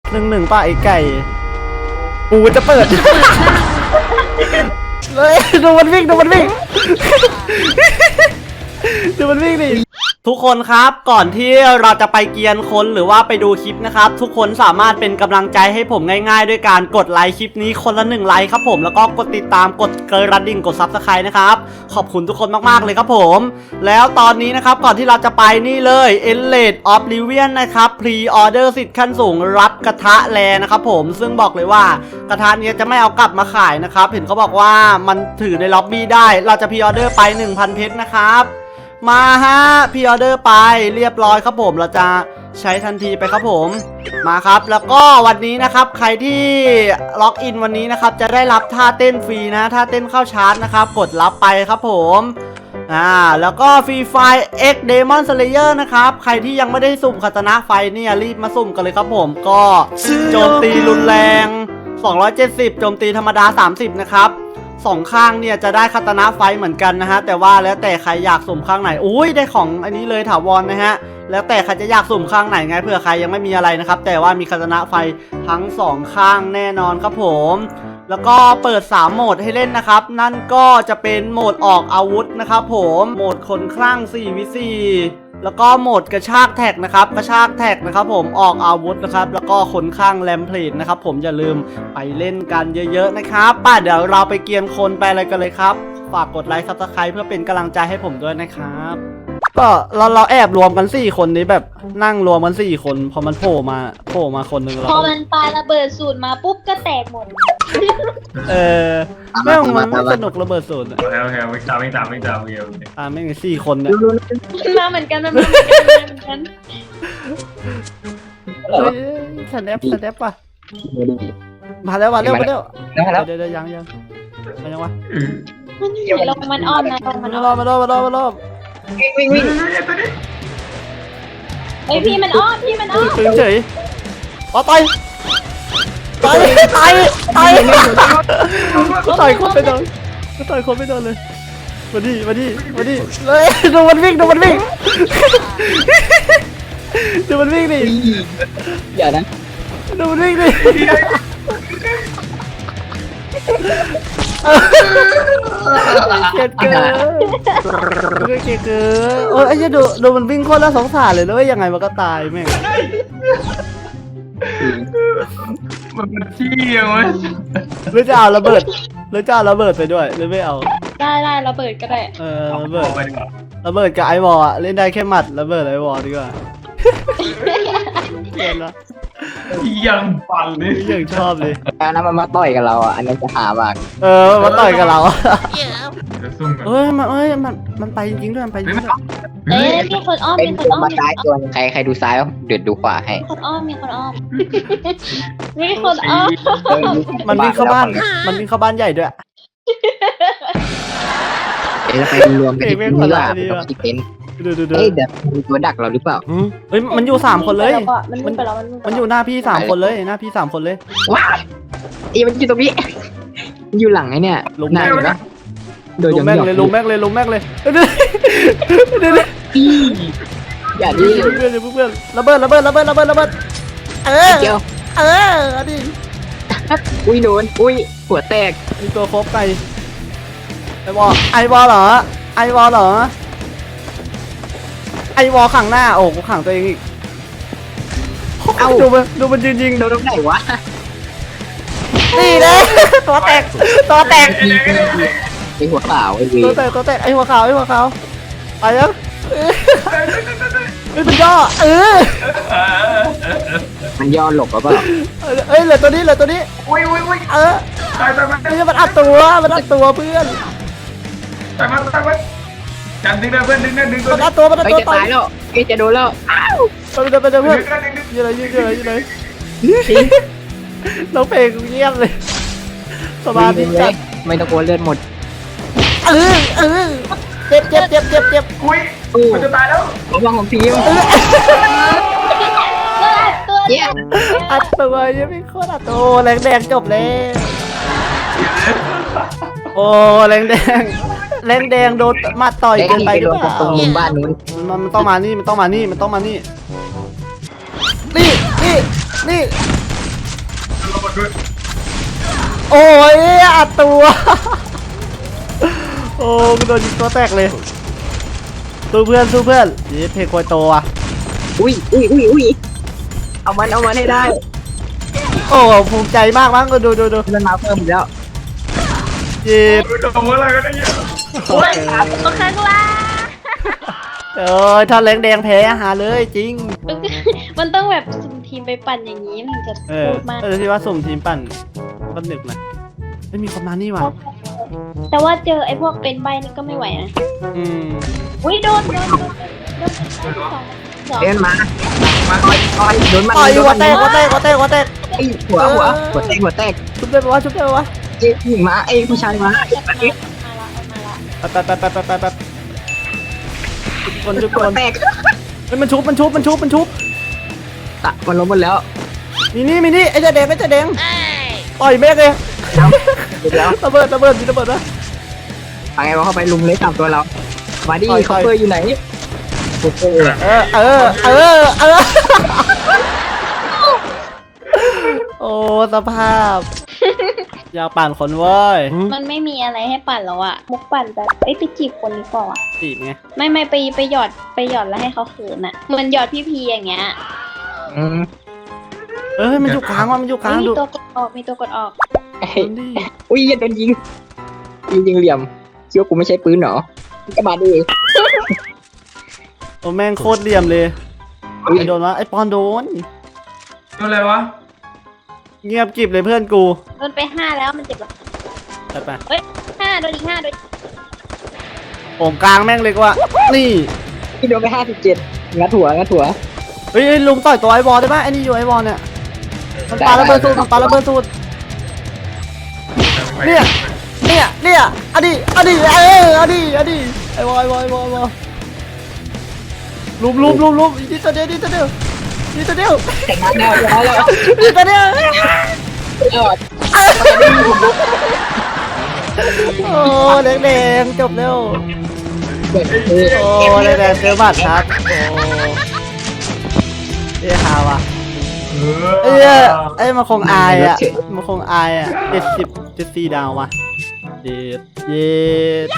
1-1ป่ะไอ้ไก่กูจะเปิดเลยดูมันวิ่งดูมันวิ่งดูมันวิ่งดิทุกคนครับก่อนที่เราจะไปเกียนคนหรือว่าไปดูคลิปนะครับทุกคนสามารถเป็นกำลังใจให้ผมง่ายๆด้วยการกดไลค์คลิปนี้คนละ1ไลค์ครับผมแล้วก็กดติดตามกดกระดิ่งกดซับสไครต์นะครับขอบคุณทุกคนมากๆเลยครับผมแล้วตอนนี้นะครับก่อนที่เราจะไปนี่เลย Endless Oblivion นะครับพรีออเดอร์สิทธิ์ขั้นสูงรับกระทะแลนะครับผมซึ่งบอกเลยว่ากระทะนี้จะไม่เอากลับมาขายนะครับเห็นเขาบอกว่ามันถือในล็อบบี้ได้เราจะพรีออเดอร์ไป 1,000 เพชรนะครับมาฮะพรีออเดอร์ไปเรียบร้อยครับผมเราจะใช้ทันทีไปครับผมมาครับแล้วก็วันนี้นะครับใครที่ล็อกอินวันนี้นะครับจะได้รับท่าเต้นฟรีนะท่าเต้นเข้าชาร์จนะครับกดรับไปครับผมแล้วก็ฟรีไฟ X Demon Slayer นะครับใครที่ยังไม่ได้สุ่มคาตานะไฟเนี่ยรีบมาสุ่มกันเลยครับผมก็โจมตีรุนแรง270โจมตีธรรมดา30นะครับ2ข้างเนี่ยจะได้คาตานะไฟเหมือนกันนะฮะแต่ว่าแล้วแต่ใครอยากสุ่มข้างไหนอุ้ยได้ของอันนี้เลยถาวรนะฮะแล้วแต่ใครจะอยากสุ่มข้างไหนไงเผื่อใครยังไม่มีอะไรนะครับแต่ว่ามีคาตานะไฟทั้ง2ข้างแน่นอนครับผมแล้วก็เปิด3โหมดให้เล่นนะครับนั่นก็จะเป็นโหมดออกอาวุธนะครับผมโหมดคนคลั่ง 4v4 แล้วก็โหมดกระชากแท็กนะครับกระชากแท็กนะครับผมออกอาวุธนะครับแล้วก็คนข้างแรมเพลทนะครับผมอย่าลืมไปเล่นกันเยอะๆนะครับเดี๋ยวเราไปเกียนคนไปอะไรกันเลยครับฝากกดไลค์ซับสไครป์เพื่อเป็นกำลังใจให้ผมด้วยนะครับก็เราแอบรวมกัน4คนนี้แบบนั่งรวมกัน4คนพอมันโผล่มาคนหนึ่งเราพอมันปาระเบิดสูตรมาปุ๊บก็แตกหมดแม่งมันไม่สนุกระเบิดสูตรโอเคไม่ตามโอเคแม่ง4คนเนี่ยมาเหมือนกันมันมาเหมือนกันสแนปป่ะมาแล้วเร็วเดี๋ยวยังวะมันอยู่ลงมันอ้อมนะมันอ้อมมารอบวิ่งไอพี่มันอ้อมเฉยต่อยคนไปโดนเลยมาดิเลยดูมันวิ่งดิอย่านะดูมันวิ่งดิเกลียดเกินไอ้เจ้าดูมันวิ่งโคตรน่าสงสารเลยแล้วยังไงมันก็ตายแม่งมันขี้ยังวะหรือจะเอาระเบิดไปด้วยหรือไม่เอาได้ระเบิดก็ได้ระเบิดกับไอวอลเล่นได้แค่หมัดระเบิดไอวอลดีกว่าเล่นละยังฟังเลยยังชอบเลยแล้วนะมันมาต่อยกับเราอ่ะอันนี้จะหามากมาต่อยกับเรามันไปจริงด้วยมีคนอ้อมมาซ้ายตัวใครดูซ้ายเดือดดูขวาให้มีคนอ้อมมันวิ่งเข้าบ้านใหญ่ด้วยเราไปรวมกันที่นี่ว่าเราคิดเป็นเฮ้ยเดี๋ยวมีตัวดักเราหรือเปล่ามันอยู่3คนเลยมันอยู่หน้าพี่3คนเลยว้าวมันอยู่ตรงนี้อยู่หลังไอ้เนี่ยลงแม่งเลยลงแม่งเลยอย่าดิเพื่อนระเบิดดิอุ้ยโดนหัวแตกมีตัวครบไไอวอลเหรอไอวอลขังหน้าโอ้กูขังตัวเองอีกดูมันยิงโดนตรงไหนวะนี่เลยตัวแตกไอหัวขาวไอวีตัวแตกไอหัวขาวไปยังมันย่อมันย่อหลบหรือเปล่าเหลือตัวนี้มันอัดตัวเพื่อนจันดึงเพื่อนดึงมันอัดตัวจะตายแล้วจะโดนแล้วไปเพื่อนยืนเลยน้องเพลงเงียบเลยสบายดีจัดไม่ต้องกลัวเลือดหมดเจ็บมันจะตายแล้วระวังของทีมอัดตัวยังไม่โคตรอัดตัวแรงแดงจบเลยโอ้แรงแดงโดนมาต่อยเกินไปหรือเปล่าตรงมุมบ้านนู้นมันต้องมานี่โอ้ยอัดตัว โอ้กูโดนยิงตัวแตกเลยสู้เพื่อนนี่เทโกโตอ่ะอุ้ยเอามันให้ได้โอ้ภูมิใจมากมั้งก็ดูมันมาเพิ่มอีกแล้วจีบโดนอะไรก็ได้เยอะโอ้ยตัวข้างล่างถ้าแรงแดงแพ้หาเลยจริงมันต้องแบบสุ่มทีมไปปั่นอย่างนี้มันถึงจะพูดมากที่ว่าสุ่มทีมปั่นก็นึกนะไม่มีคนมานี่ว่ะแต่ว่าเจอไอ้พวกเป็นใบนี่ก็ไม่ไหวนะ อุ้ยโดนสองเดินมาโดนมันต่อยหัวแตกไอ้หัวแตกชุบได้ปะวะเจ๊ผู้หญิงมาไอ้ผู้ชายมามาละไปคนหัวแตกมันชุบมันล้มหมดแล้วมีนี่ไอ้เจ๊แดงต่อยแม่งเลยเดี๋ยวระเบิดมีระเบิดนะไปไงวะเข้าไปลุมเลย3ตัวเรามาดิคอปเปอร์อยู่ไหนคอปเปอร์โอ้สภาพ อยากปั่นคนเว้ยมันไม่มีอะไรให้ปั่นแล้วอะมุกปั่นแบบไปจีบคนนี้ก่อนจีบไงไม่ไปหยอดแล้วให้เขาเขินอะเหมือนหยอดพี่พีอย่างเงี้ยมันอยู่กลางมันอยู่กลางมีดูตัวกดออกมีตัวกดออกอุ้ยโดนยิงเหลี่ยมเชื่อกูไม่ใช่ปืนหรอก็มาดิโอ้แม่งโคตรเหลี่ยมเลยไอโดนวะไอปอนโดนโดนอะไรวะเงียบกริบเลยเพื่อนกูโดนไป5แล้วมันเจ็บหรอจัดไปเฮ้ย5โดนอีก5โดนโอ่งกลางแม่งเลยกว่านี่ที่โดนไป57งัดหัวเฮ้ยลุงต่อยตัวไอบอลได้ปะไอ้นี่อยู่ไอบอลเนี่ยมันปาระเบิดสูตรเนี่ยอดีไอบอลลุมนี่ตัวเดียวแต่งงานแล้วนี่ตัวเดียวโอ้แดงจบเร็วโอ้แดงเจอบัตรครับโอ้ฮาวะไอ้มันคงอายอ่ะ74ดาวว่ะเย็ด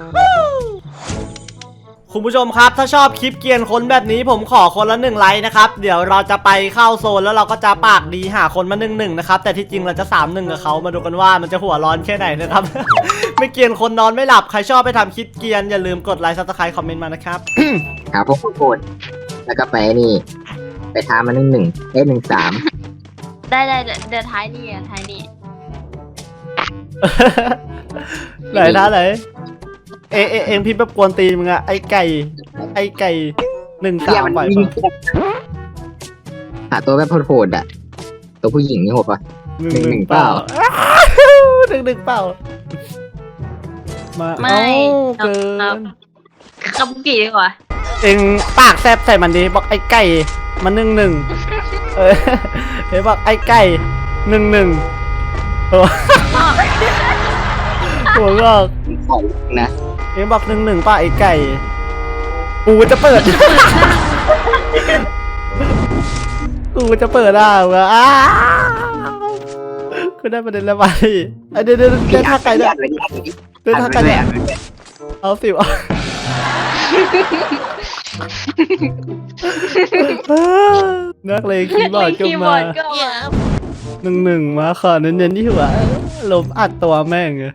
คุณผู้ชมครับถ้าชอบคลิปเกรียนคนแบบนี้ผมขอคนละ1 ไลค์นะครับเดี๋ยวเราจะไปเข้าโซนแล้วเราก็จะปากดีหาคนมา1-1นะครับแต่ที่จริงเราจะ3-1กับเขามาดูกันว่ามันจะหัวร้อนแค่ไหนนะครับ ไม่เกรียนคนนอนไม่หลับใครชอบไปทำคลิปเกรียนอย่าลืมกดไลค์ซับสไครต์คอมเมนต์มานะครับหาพวกโคตรแล้วก็ไปนี่ไปท้ามา1-1ได้1-3 ได้เดี๋ยวท้ายนี่ไหนท่าไหนเองพี่แบบกวนตีนมึงอะไอ้ไก่1-3ไหวปะหาตัวแบบโหดอ่ะตัวผู้หญิงนี่โหดปะ 1-1 เปล่า 1-1 เปล่ามาเกินคำกี่ดีกว่าเองปากแซบใส่มันดิบอกไอ้ไก่มัน1-1เฮ้ยบอกไอ้ไก่1-1หัวงอกของนะเองบอก1-1ป่ะไอ้ไก่กูจะเปิดอ่ะกูได้ประเด็นแล้วไปเดี๋ยวท่าไก่ได้ท่าไก่ได้เอาสิวนักเลงคีย์บอร์ดก็มา1-1มาขอเน้นๆที่หัวลมอัดตัวแม่งเลย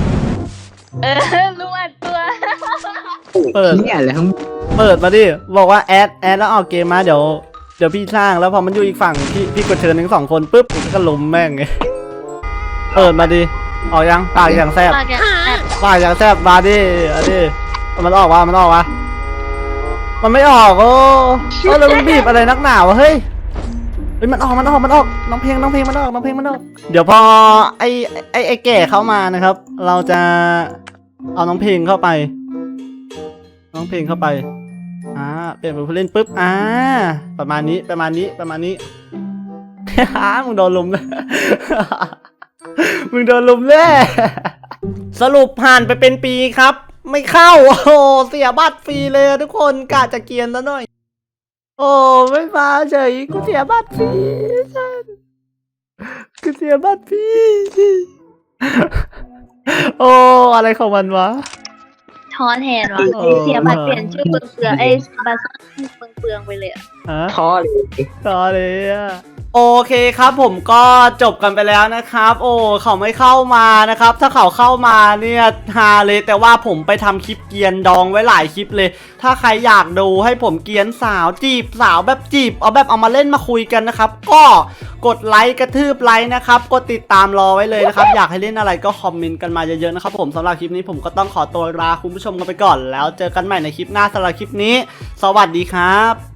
ลุงอัดตัวเปิดเนี่ยอะไรทั้งเปิดมาดิบอกว่าแอดแล้วออกเกมมาเดี๋ยวพี่สร้างแล้วพอมันอยู่อีกฝั่งพี่กดเชิญทั้ง2 คนปุ๊บก็ล้มแม่งไงเปิดมาดิออกยังปากอย่างแซ่บมาดิมันออกวะมันไม่ออกโอ้แล้วมันบีบอะไรนักหนาวะเฮ้ยมันออกน้องเพลงมันออกเดี๋ยวพอไอ้แก่เข้ามานะครับเราจะเอาน้องเพลงเข้าไปเปลี่ยนเป็นผู้เล่นปุ๊บประมาณนี้ มึงโดนลุมเลยสรุปผ่านไปเป็นปีครับไม่เข้าโอ้เสียบัตรฟรีเลยทุกคนกะจะเกียนแล้วหน่อยโอ้ไม่มาเฉยกูเสียบัตรฟรีกูเสียบัตรพี่ โอ้อะไรของมันวะท้อแทนว่ะเออเสียบัตรเปลี่ยนชื่อเปลืองๆบัตรเปลืองๆไปเลยอะฮะท้อเลยต่อเลยอะโอเคครับผมก็จบกันไปแล้วนะครับ โอ้เขาไม่เข้ามานะครับ ถ้าเขาเข้ามาเนี่ยฮาเลยแต่ว่าผมไปทำคลิปเกรียนดองไว้หลายคลิปเลย ถ้าใครอยากดูให้ผมเกรียนสาวจีบสาวแบบจีบเอาแบบเอามาเล่นมาคุยกันนะครับ ก็กดไลค์กระทืบไลค์นะครับกดติดตามรอไว้เลยนะครับ อยากให้เล่นอะไรก็คอมเมนต์กันมาเยอะๆนะครับผมสำหรับคลิปนี้ผมก็ต้องขอตัวลาคุณผู้ชมกันไปก่อน แล้วเจอกันใหม่ในคลิปหน้าสำหรับคลิปนี้ สวัสดีครับ